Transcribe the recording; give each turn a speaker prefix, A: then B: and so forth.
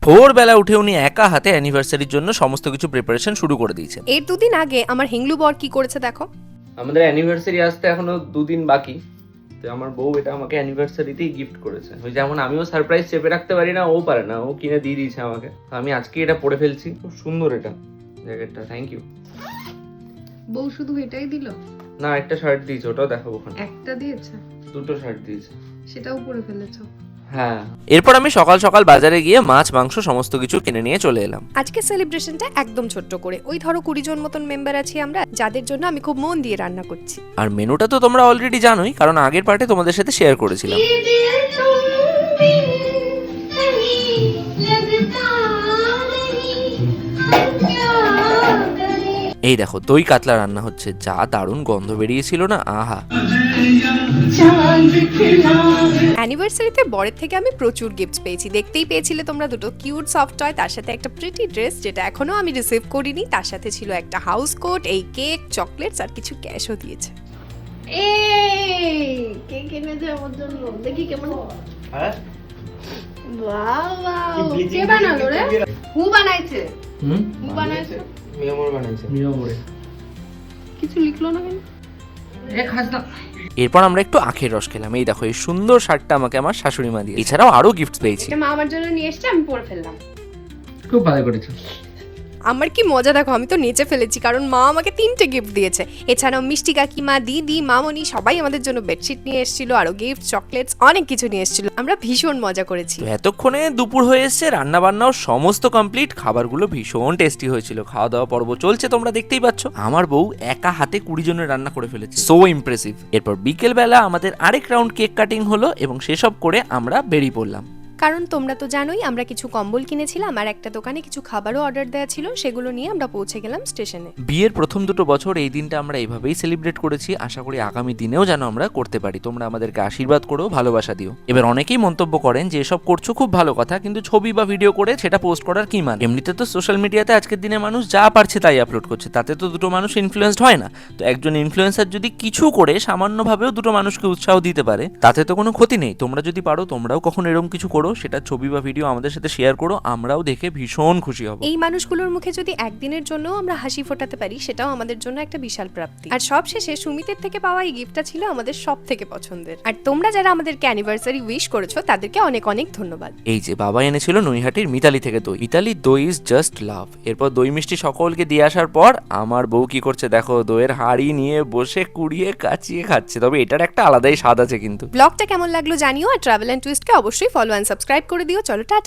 A: ভোরবেলা উঠে উনি একা হাতে অ্যানিভার্সারির জন্য সমস্ত কিছু প্রিপারেশন শুরু করে দিয়েছেন।
B: এর দুদিন আগে আমার হিংলু বর কি করেছে দেখো।
C: আমাদের অ্যানিভার্সারি আসতে এখনো 2 দিন বাকি, তো আমার বউ এটা আমাকে অ্যানিভার্সারিতেই গিফট করেছে। ওই যেমন আমিও সারপ্রাইজ চেপে রাখতে পারি না, ও পারে না, ও কিনে দিয়ে দিয়েছে আমাকে। তো আমি আজকে এটা পরে ফেলছি। খুব সুন্দর এটা জ্যাকেটটা, থ্যাংক ইউ।
D: বউ শুধু এটাই দিল?
C: না, একটা শার্ট দিয়েছে, ওটাও দেখাবো ওখানে।
D: একটা দিয়েছে?
C: 2টো শার্ট দিয়েছে।
D: সেটাও পরে ফেলেছো?
C: হ্যাঁ।
A: এরপর আমি সকাল সকাল বাজারে গিয়ে মাছ মাংস সমস্ত কিছু কিনে নিয়ে চলে এলাম।
B: আজকে সেলিব্রেশনটা একদম ছোট্ট করে, ওই ধরো 20 জন মতন মেম্বার আছি আমরা, যাদের জন্য আমি খুব মন দিয়ে রান্না করছি।
A: আর মেনুটা তো তোমরা অলরেডি জানোই, কারণ আগের পার্টে তোমাদের সাথে শেয়ার করেছিলাম। এই দেখো দই কাতলা রান্না হচ্ছে, যা দারুণ গন্ধ বেরিয়েছিল না, আহা।
B: অ্যানিভার্সারিতে বরের থেকে আমি প্রচুর গিফটস পেয়েছি, দেখতেই পেয়েছিলে তোমরা, দুটো কিউট সফট টয়, তার সাথে একটা প্রিটি ড্রেস যেটা এখনো আমি রিসিভ করিনি, তার সাথে ছিল একটা হাউস কোট, এই কেক, চকলেটস আর কিছু ক্যাশও দিয়েছে।
D: এই কেক এনেছে আমার জন্য, দেখি কেমন।
C: হ্যাঁ,
D: বাবা, কে বানালো রে? হু বানাইছে? হু বানাইছে?
C: মিয়ামর বানাইছে।
D: কিছু লিখলো না কেন?
A: এরপর আমরা একটু আখের রস খেলাম। এই দেখো এই সুন্দর শার্টটা আমাকে আমার শাশুড়ি মা দিয়ে, এছাড়াও আরো গিফট পেয়েছি।
D: এটা মা আমার জন্য নিয়ে এসেছে, আমি পরে ফেললাম।
C: খুব ভালো করেছো।
B: আমার কি মজা দেখো, আমি তো নেচে ফেলেছি কারণ মা আমাকে 3টে গিফট দিয়েছে। এছাড়াও মিষ্টি কাকিমা, দিদি, মামনি সবাই আমাদের জন্য বেডশিট নিয়ে এসেছিল, আরো গিফট, চকলেটস, অনেক কিছু নিয়ে এসেছিল। আমরা ভীষণ মজা করেছি।
A: তো এতক্ষণে দুপুর হয়ে এসছে, রান্না বান্নাও সমস্ত কমপ্লিট, খাবারগুলো ভীষণ টেস্টি হয়েছিল। খাওয়া দাওয়া পর্ব চলছে, তোমরা দেখতেই পাচ্ছ। আমার বউ একা হাতে 20 জনের রান্না করে ফেলেছে, সো ইমপ্রেসিভ। এরপর বিকেল বেলা আমাদের আরেক রাউন্ড কেক কাটিং হলো এবং সেসব করে আমরা বেরিয়ে পড়লাম।
B: কারণ তোমরা তো জানোই আমরা কিছু কম্বল কিনেছিলাম আর একটা দোকানে কিছু খাবারও অর্ডার দেওয়া ছিল, সেগুলো নিয়ে আমরা পৌঁছে গেলাম স্টেশনে।
A: বিয়ের প্রথম 2 বছর এই দিনটা আমরা এইভাবেই সেলিব্রেট করেছি, আশা করি আগামী দিনেও যেন আমরা করতে পারি। তোমরা আমাদেরকে আশীর্বাদ করো, ভালোবাসা দিও। এবার অনেকেই মন্তব্য করেন যে এসব করছো খুব ভালো কথা, কিন্তু ছবি বা ভিডিও করে সেটা পোস্ট করার কি মানে? এমনিতে তো সোশ্যাল মিডিয়াতে আজকের দিনে মানুষ যা পারছে তাই আপলোড করছে, তাতে তো 2 মানুষ ইনফ্লুয়েন্সড হয় না। তো একজন ইনফ্লুয়েন্সার যদি কিছু করে সামান্যভাবেও 2 মানুষকে উৎসাহ দিতে পারে, তাতে তো কোনো ক্ষতি নেই। তোমরা যদি পারো তোমরাও কখনো এরকম কিছু করো, সেটা ছবি বা ভিডিও আমাদের সাথে শেয়ার করো, আমরাও দেখে ভীষণ খুশি হব।
B: এই মানুষগুলোর মুখে যদি একদিনের জন্য আমরা হাসি ফোটাতে পারি, সেটাও আমাদের জন্য একটা বিশাল প্রাপ্তি। আর সবশেষে সুমিতের থেকে পাওয়া এই গিফটটা ছিল আমাদের সব থেকে পছন্দের। আর তোমরা যারা আমাদেরকে অ্যানিভার্সারি উইশ করেছো তাদেরকে অনেক অনেক ধন্যবাদ।
A: এই যে বাবা এনেছিল নৈহাটির মিতালি থেকে দই। মিতালি দই ইজ জাস্ট লাভ। এরপর দই মিষ্টি সকলকে দিয়ে আসার পর আমার বউ কি করছে দেখো, দইয়ের হাঁড়ি নিয়ে বসে কুড়িয়ে কাচিয়ে খাচ্ছে। তবে এটার একটা আলাদাই স্বাদ আছে কিন্তু।
B: ব্লগটা কেমন লাগলো জানিও, আর ট্রাভেল এন্ড টুইস্টকে অবশ্যই ফলো এন্ড সাবস্ক্রাইব করে দিও। চলো টাটা।